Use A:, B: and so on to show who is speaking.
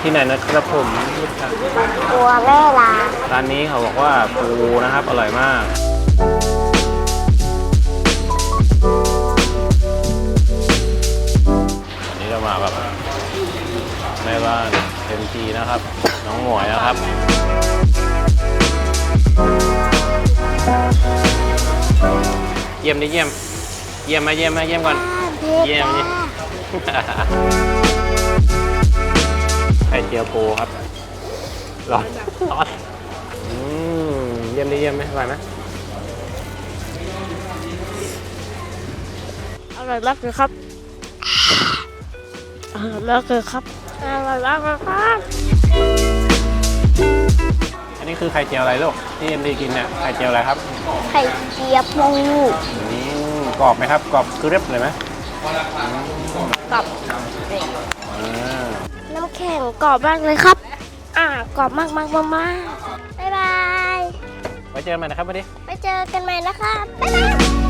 A: ที่ไหนนะครับผม
B: กลัวแม่ลา
A: ร้านนี้เขาบอกว่าปูนะครับอร่อยมากวันนี้เรามาแบบแม่บ้านเต็มทีนะครับ น้องหมวยนะครับเยี่ยมดิเยี่ยมไหมเยี่ยมก่อนเยี่ยมดิ ไข่เจียวปูครับร้อนเยี่ยมไหมอร่อยไหม
B: อร่อยมากเลยครับอร่อยมากเลยครับอร่อยมากเลยครับ
A: อันนี้คือไข่เจียวอะไรลูกที่เอ็มดีกินเนี่ยไข่เจียวอะไรครับ
B: ไข่เจียวปู
A: กรอบไหมครับกรอบกรึบเลยไหม
B: กับน้ำแข็งกรอบมากเลยครับกรอบมากบ๊ายบาย
A: ไว้เจอกันใหม่นะครับวันนี้
B: ไปเจอกันใหม่นะครับบ๊ายบาย